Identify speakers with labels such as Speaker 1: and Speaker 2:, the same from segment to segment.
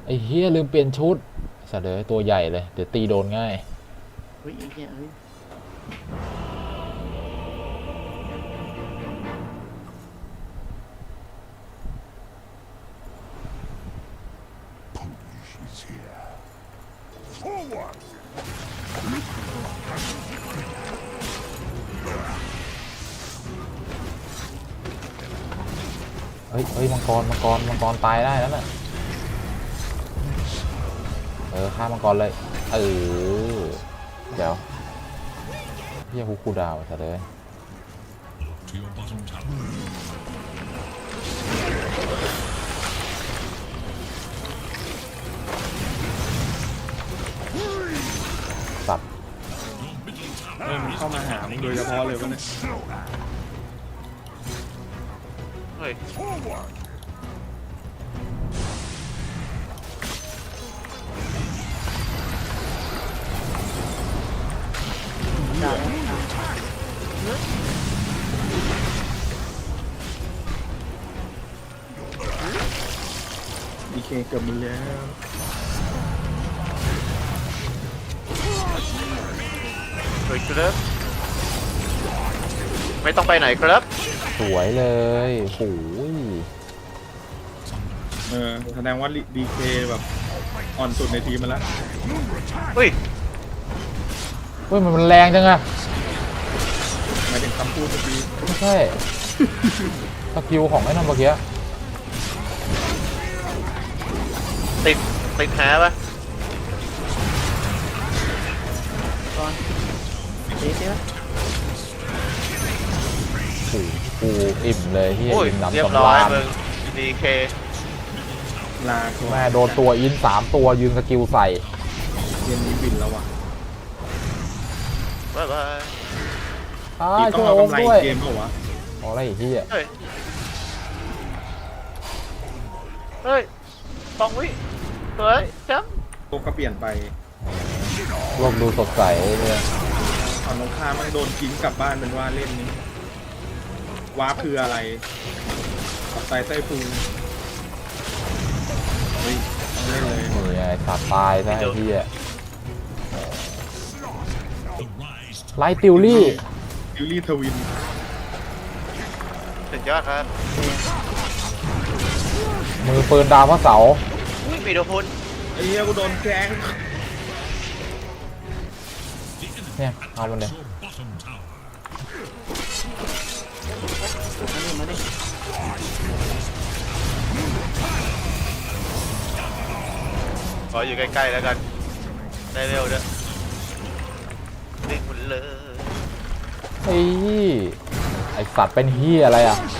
Speaker 1: ไอ้เฮียลืมเปลี่ยนชุดสัตว์เลยตัวใหญ่เลยเดี๋ยวตีโดนง่าย
Speaker 2: เฮ้ยไอ้เหี้ยเฮ้ย
Speaker 1: เฮ้ยมังกรตายได้แล้วน่ะฆ่ามังกรเลยเดี๋ยวเฮียคูดาวสัตว์เลยสัตว์
Speaker 3: มันเข้ามาหามึงโดยเฉพาะเลยวะเนี่ย
Speaker 4: เฮ้ย
Speaker 2: ด่า
Speaker 3: ดีเคเกือบมึงแล้ว
Speaker 4: เฮ้ยครับไม่ต้องไปไหนครับ
Speaker 1: สวยเลยโอ้ย
Speaker 3: แสดงว่าดีเคแบบอ่อนสุดในทีมมาแล้ว
Speaker 4: เฮ้ย
Speaker 1: มันแรงจังอะ
Speaker 3: หมายถึงคำพูดเมื่อกี้
Speaker 1: ไม่ใช่สกิลของไอ้นั่นเมื่อกี้
Speaker 4: ติดแพ้ปะ
Speaker 2: ก่อนเจ๊ปะ
Speaker 1: กูอิ่มเลยที่อิ่มน้ำ
Speaker 4: เรียบ
Speaker 1: สำ
Speaker 4: ร้อย
Speaker 1: ราญ
Speaker 4: มึงดีเค
Speaker 3: ลา
Speaker 1: แม่โดนตัวอิน3ตัวยืนสกิลใส่
Speaker 3: เกมนี้บินแล้วว่ะ
Speaker 4: บ๊ายบาย
Speaker 3: ต้องเอากำไรเกมเปล่าวะ
Speaker 1: อะไรอีกที่
Speaker 4: เฮ้ย2 วิเฮ้ยแชมป์
Speaker 3: โลกก็เปลี่ยนไป
Speaker 1: โลกดูสดใสเลย
Speaker 3: ฝั่งตรงข้ามมันโดนทิ้งกลับบ้านเป็นว่าเล่นนี้ว้าคืออะไรกับไตเต้พุงเฮ้ยต้องเล่นเลย
Speaker 1: นี่ไงสัตว์ตายซะไอ้ที่ไลท์ติวลี่
Speaker 3: ทวิน
Speaker 4: สุดยอดครับ
Speaker 1: มือปืนดาวพระเสา
Speaker 4: มีโดน
Speaker 3: ไอ้เหี้ยกูโดนแกง
Speaker 1: เนี่ยเอามันเลย
Speaker 2: มาดิ
Speaker 4: ขออยู่ใกล้ๆแล้วกันได้เร็วด้วยวิ่งหมดเลย
Speaker 1: ไอสัตว์เป็นเฮียอะไรอ่ะ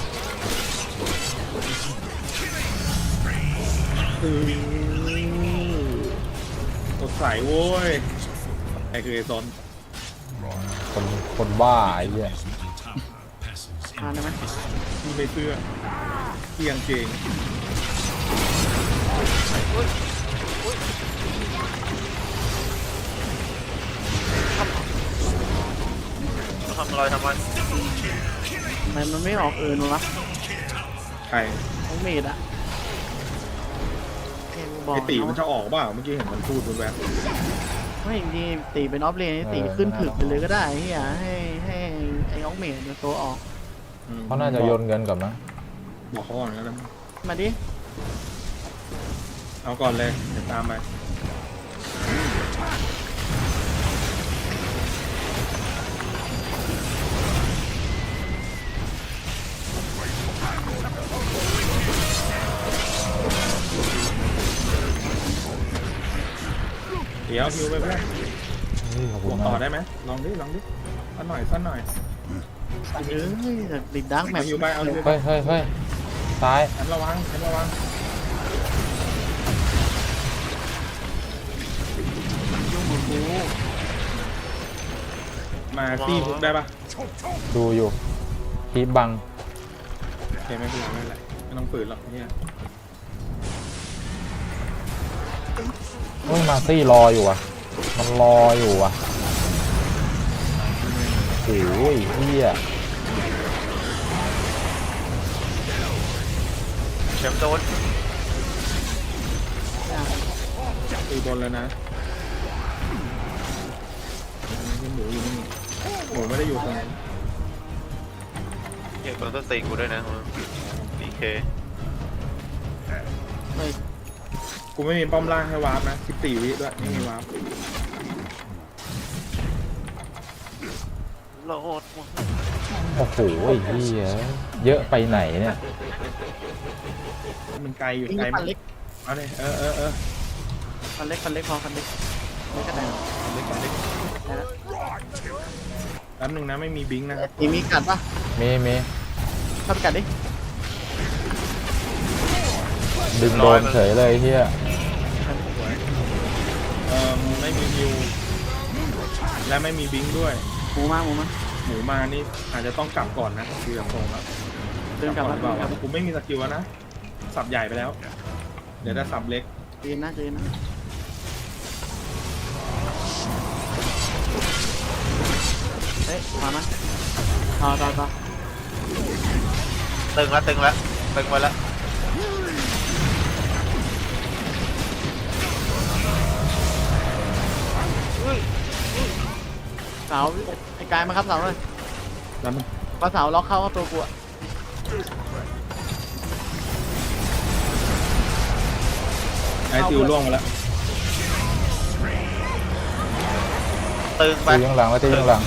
Speaker 3: สดใสโว้ยไอ้คือไอ้ซอน
Speaker 1: คนบ้าไอ้เหี้ย
Speaker 2: ทานได้ไหม
Speaker 3: มีใบเสื้อเกียงเกง
Speaker 4: ทำอะไรทำมัน
Speaker 2: ทำไมมันไม่ออกวะ
Speaker 3: ใคร
Speaker 2: ของเมดอะ
Speaker 3: ไอตีมันจะออกเปล่าเมื่อกี้เห็นมันพูดบนแบบ
Speaker 2: ไม่จริงตีเป็นออฟเลนตีขึ้นถึกไปเลยก็ได้เฮียให้ไอ้ออกเมดตัวออก
Speaker 1: เขาน่าจะโยนเงินกับนะ
Speaker 3: บอกเขาก่อนก็ได้
Speaker 2: มาดิ
Speaker 3: เอาก่อนเลยเดี๋ยวตามไปเดี๋ยวฮิวไปเพื่อนบวกต่อได้ไหมลองดิสั้นหน่อย
Speaker 2: ติดดักแมป
Speaker 3: ฮิวไปเอาฮิวไป
Speaker 1: เฮ้ยซ้าย
Speaker 3: ฉันระวัง
Speaker 2: ยุ่งมือกู
Speaker 3: มาตีพุกได้ปะ
Speaker 1: ดูอยู่คีบบัง
Speaker 3: โอเคไม่เป็นไรไม่ต้องฝืนหรอกเนี่ย
Speaker 1: มาซี่รออยู่อ่ะมันรออยู่อ่ะโอ้ยเฮีย
Speaker 4: แชมป์โดน
Speaker 3: ตีบนแล้วนะนี่หมูอยู่นี่หมูไม่ได้อยู่ตรงนั้น
Speaker 4: เหี้ยคนต้องตีกูด้วยนะดีเค
Speaker 2: เฮ้ย
Speaker 3: กูไม่มีป้อมล่างให้วาร์ปนะ14 วิด้วยไม่มีวาร์ป
Speaker 4: โหลดหมด
Speaker 1: โอ้โหไอ้เหี้ยเยอะไปไหนเนี่ย
Speaker 3: มันไกลอยู่
Speaker 2: ยิง
Speaker 3: ไกล
Speaker 2: ฟันเล็ก
Speaker 3: เอาเลย
Speaker 2: ฟันเล็กพอฟันเล็กไม่กระแดง
Speaker 3: เล็กก่อนเล็ก
Speaker 2: ได้แล้ว
Speaker 3: แป๊บนึงนะไม่มีบิงค์นะครับ
Speaker 2: มีกัดปะ
Speaker 1: เม
Speaker 2: เข้าไปกัดดิ
Speaker 1: ดึงโดนเฉยเลยเหี้ย
Speaker 3: สวยไม่มีฮิวและไม่มีบิงค์ด้วย
Speaker 2: หมูมา
Speaker 3: หมูมานี่อาจจะต้องกลับก่อนนะคือแบบตรงแล้ว
Speaker 2: เดินกลับ
Speaker 3: ก่อ
Speaker 2: มาน
Speaker 3: เปล่า
Speaker 2: เดินกลับ
Speaker 3: กูไม่มีสกิลแล้วนะสับใหญ่ไปแล้ว เดี๋ยวจะสับเล็ก
Speaker 2: เดินนะเฮ้ยมาต่อ
Speaker 4: ตึงละตึงไว้ละ
Speaker 2: เสาไอ้กายมาครับเสาเลย
Speaker 3: แล้วมัน
Speaker 2: ก็เสาล็อกเข้าตัวกู
Speaker 3: ไอซิวล่วงมาแล้ว
Speaker 4: ตึงไป
Speaker 1: ตีข้างหลังแล้วตีข้างหลัง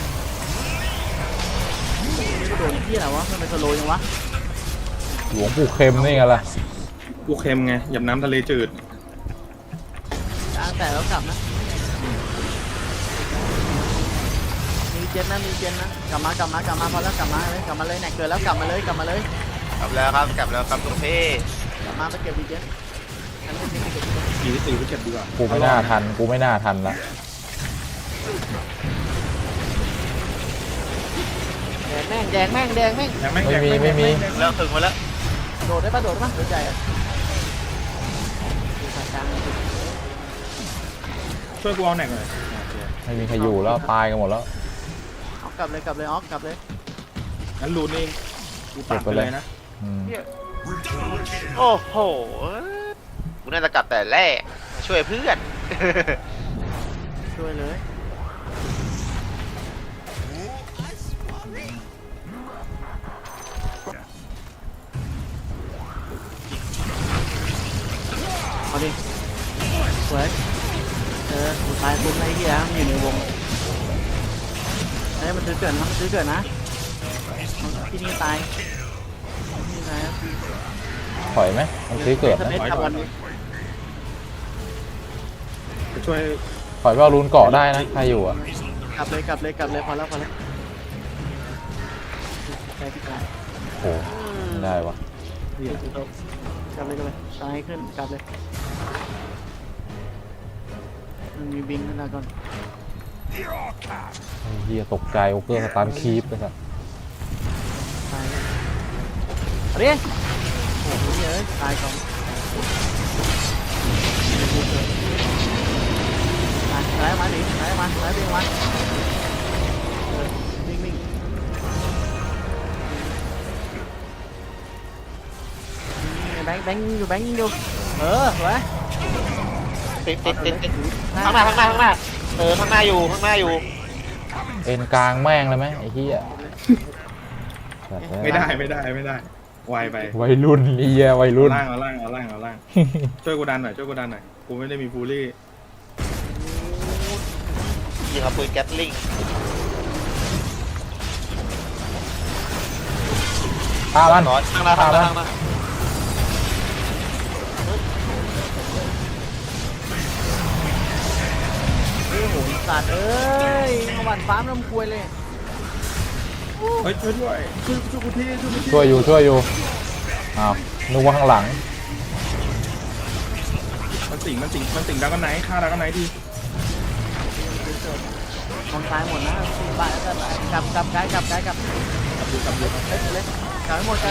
Speaker 2: โดนที่ไหนวะมันเป็นสโลยังวะ
Speaker 1: หลวงปู่เข็มนี่ไงล่ะ
Speaker 3: กูเค็มไงหยับน้ำทะเลจืด
Speaker 2: กลางแต่แล้วกลับนะมีเจนนะกลับมาพอแล้วกลับมาเลยแหนกเกินแล้วกลับมาเลย
Speaker 4: กลับแล้วครับทุกพี่
Speaker 2: กลับมาไปเก็บดีเจนฉันไม่ได้เก็บ
Speaker 3: ตีไปเก็บดีกว่า
Speaker 1: กูไม่น่าทันละ
Speaker 2: แดงแม่ง
Speaker 3: ยังไม่มี
Speaker 4: แล้วตึงมาแล้ว
Speaker 2: โดดได้ปะโดดใจอ่ะ
Speaker 3: ช่วยกูเอาแหนกหน่อย
Speaker 1: ไม่มีใครอยู่แล้วตายกันหมดแล้ว
Speaker 2: เอากลับเลยออกกลับเลย
Speaker 3: งั้นรูนเองกูตัดไปเลยนะ
Speaker 1: อืม
Speaker 4: โอ้โหกูน่าจะกลับแต่แรกมาช่วยเพื่อน
Speaker 2: ช่วยเลยเอาดิสวยกูตายปุ๊บไอ้เหี้ยมันอยู่ในวงมันซื้อเกิดนะที่นี่ตายครับ
Speaker 1: ถอยไหมมันซื้อเกิดนะ
Speaker 3: จะช่วย
Speaker 1: ถอยไปเอารูนเกาะได้นะใครอยู่อ่ะ
Speaker 2: กลับเลยพอแล้วไปพี่กาย
Speaker 1: โอ้ไม่ได้วะ
Speaker 3: นี่แหละ
Speaker 2: กลับเลยตายขึ้นกลับเลยมันมีบิงขึ้นมาก่อน
Speaker 1: ไอ้เหี้ยตกใจโอเกอร์สตาร์คีปเลยสัส
Speaker 2: ตายเลยเอาดิโอ้โหเยอะตายก่อนไหลมาดิไหลมาวิ่งแบงค์อยู่สวย
Speaker 4: ติดข้างหน้าข้างหน้าข้างหน้าอยู่
Speaker 1: เอ็นกลางแม่งเลยไหมไอ้เหี้ยสัส
Speaker 3: ไม่ได้ไวไป
Speaker 1: วัยรุ่นไอ้เหี้ยวัยรุ่น
Speaker 3: เอาล่างช่วยกูดันหน่อยกูไม่ได้มีฟูลี่
Speaker 4: ยิงเอาปืนแก๊สลิง
Speaker 1: ฆ่ามัน
Speaker 4: ร้อนข้างหน้า
Speaker 2: โอ้โหสัตว์เอ้ยมาหวานฟ้ามน้ำควยเลย
Speaker 3: เฮ้ยช่วยด้วยช่วยกูที
Speaker 1: ช่วยอยู่อ้าวนึกว่าข้างหลัง
Speaker 3: มันสิงดักกันไหนฆ่าดักกันไหนที
Speaker 2: มองซ้ายหมดนะบ้านก็กลับกายกลับ
Speaker 3: ดู
Speaker 2: เลยกลับให้หมด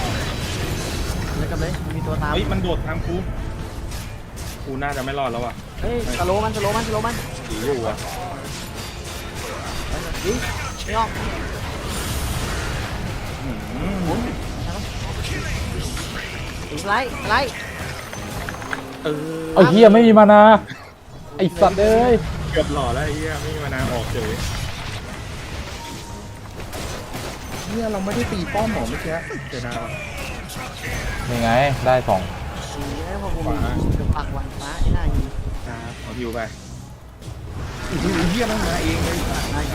Speaker 2: เลยมีตัวตาม
Speaker 3: เฮ้ยมันโดดทางกูน่าจะไม่รอดแล้วอ่ะ
Speaker 2: เฮ้ยสโลมัน
Speaker 3: สีอยู่อ่ะ
Speaker 2: ดิไม่ออกหมุนไล่
Speaker 3: เออ
Speaker 1: เอาเฮียไม่มีมานาไอสัตว์เอ้ย
Speaker 3: เกือบหล่อแล้วไอ้เหี้ยไม่มีมานานออกเฉยเนี่ยเราไม่ได้ตีป้อมหมอเมื่อกี้เสียดายว่ะ
Speaker 1: ยังไงได้สอง
Speaker 2: ดีแล้วพอกูมีกับปากหวานฟ้าไอ้หน้ายิง
Speaker 3: ครับเอาฮิวไปอู้หูเหี้ยมันมาเองเลย
Speaker 2: ได้ไง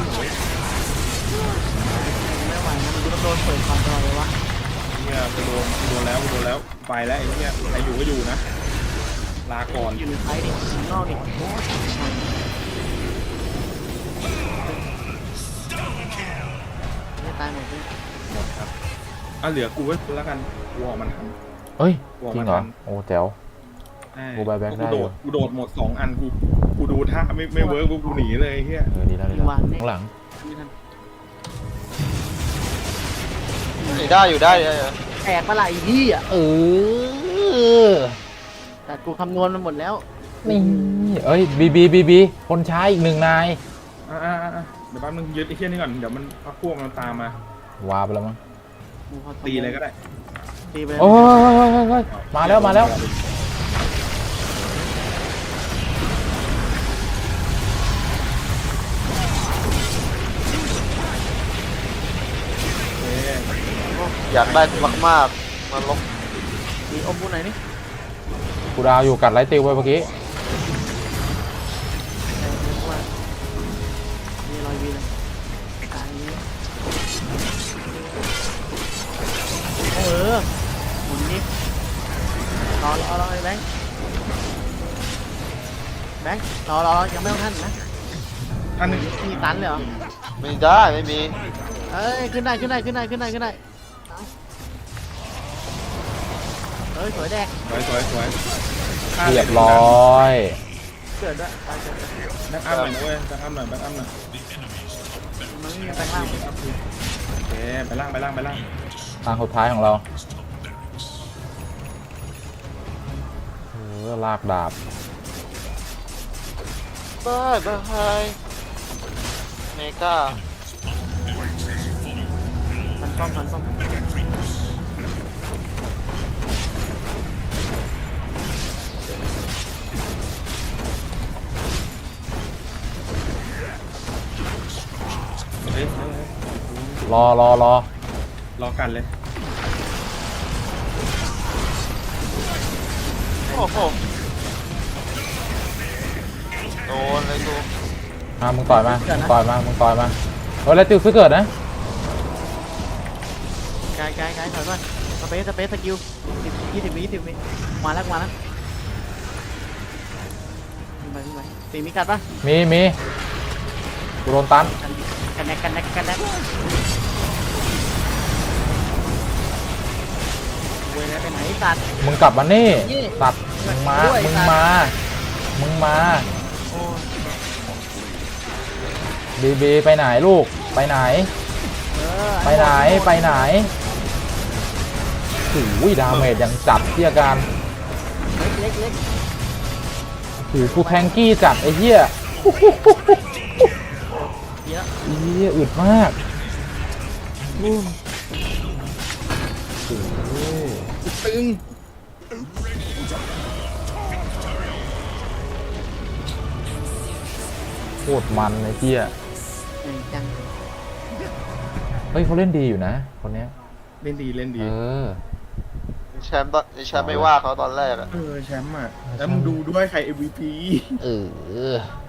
Speaker 2: ไม่ไหวนะมันจะโดนเปิดความตลอดเลยวะ
Speaker 3: เหี้ยกูโดนแล้วไปแล้วไอ้เหี้ยใครอยู่ก็อยู่นะลาก่อน
Speaker 2: อยู่ในไฟดิข้างนอกดิไม่ตายหมดเลย
Speaker 3: หมดครับเหลือกูไว้แล้วกันกูออกมันทัน
Speaker 1: เฮ้ยจริงเหรอโอ้แจ๋ว กูไปแบงค์ได้อยู่
Speaker 3: กูโดดหมด2 อันกูดูท่าไม่เวิร์กกูหนีเลยไอ้เหี้ย
Speaker 1: ดีแล้วดีแล้วข้างหลัง
Speaker 2: ไม่ทัน
Speaker 4: อยู่ได้
Speaker 2: แตกปะไหล่ที่อ่ะ
Speaker 1: อ
Speaker 2: แต่กูคำนวณมันหมดแล้ว
Speaker 1: นี่เอ้ยบีคนใช้อีกหนึ่งนาย
Speaker 3: เดี๋ยวแป๊บนึงยึดไอ้เหี้ยนี่ก่อนเดี๋ยวมันพักพวกมันตามมาว
Speaker 1: าไปแล้วมั้ง
Speaker 3: ตีเลยก็ได้
Speaker 2: ตีไปเลย
Speaker 1: โอ้ยมาแล้ว
Speaker 3: เอ๊ะ
Speaker 4: อยากได้มากๆมาลบ
Speaker 2: ตีอมกูไหนนี่
Speaker 1: กูดาวอยู่กัดไลท์ติวไปเมื่อกี้
Speaker 2: แต่เรียกว่ามีรอยวีเลยตายนี้หมุนนี่รอไอ้แบงค์รอยังไม่ต้องท่านนะ
Speaker 3: ท่านหนึ่ง
Speaker 2: มีตันเลยเหรอ
Speaker 4: ไม่ได้ไม่มี
Speaker 2: เอ้ยขึ้นได้เฮ้ยสวยแดก
Speaker 3: สวย
Speaker 1: เรียบร้อย
Speaker 2: เกิดด้วยตายเกิด
Speaker 3: แบ็กอัพหน่อยนะเว้ยแบ็กอัพหน่อย
Speaker 2: มันไม่มีแปลงร่าง
Speaker 3: โอเคไปล่าง
Speaker 1: ทางสุดท้ายของเราลากดาบ
Speaker 4: บายเมกา
Speaker 2: พันป้อม
Speaker 3: เฮ้ย
Speaker 1: รอ
Speaker 3: รอกันเลย
Speaker 4: โอ้โหโดนเลยกู
Speaker 1: มึงต่อยมาเฮ้ยไลท์ติวซื้อเกิดนะ
Speaker 2: ไกลถอยก่อนสเปซสกิล20 วิมาแล้วขึ้นไปตีมีกัดปะ
Speaker 1: มีกูโดนตัน
Speaker 2: กันแนกเว้ยแล้วไปไหนตัด
Speaker 1: มึงกลับมานี่
Speaker 2: นี่
Speaker 1: ตัดมึงมา
Speaker 2: ด้วย
Speaker 1: มึง
Speaker 2: ตัด
Speaker 1: มา
Speaker 2: โอ้
Speaker 1: บีไปไหนลูกไปไหน ไปไหนโอ้ยดาเมจยังจัดที่อาการ
Speaker 2: เล็ก
Speaker 1: โอ้โหกูแทงกี้จัดไอ้เหี้ย
Speaker 2: เยอะ
Speaker 1: ไอ้เหี้ยอึดมากโอ้โห
Speaker 3: ตึง
Speaker 1: โคตรมันไอ้เหี้ย
Speaker 2: จัง
Speaker 1: เฮ้ยเขาเล่นดีอยู่นะคนเนี้ย
Speaker 3: เล่นดี
Speaker 4: แชมป์ไม่ว่าเขาตอนแรกอะ
Speaker 3: แชมป์อ่ะแล้วมึงดูด้วยใคร MVP
Speaker 1: เออ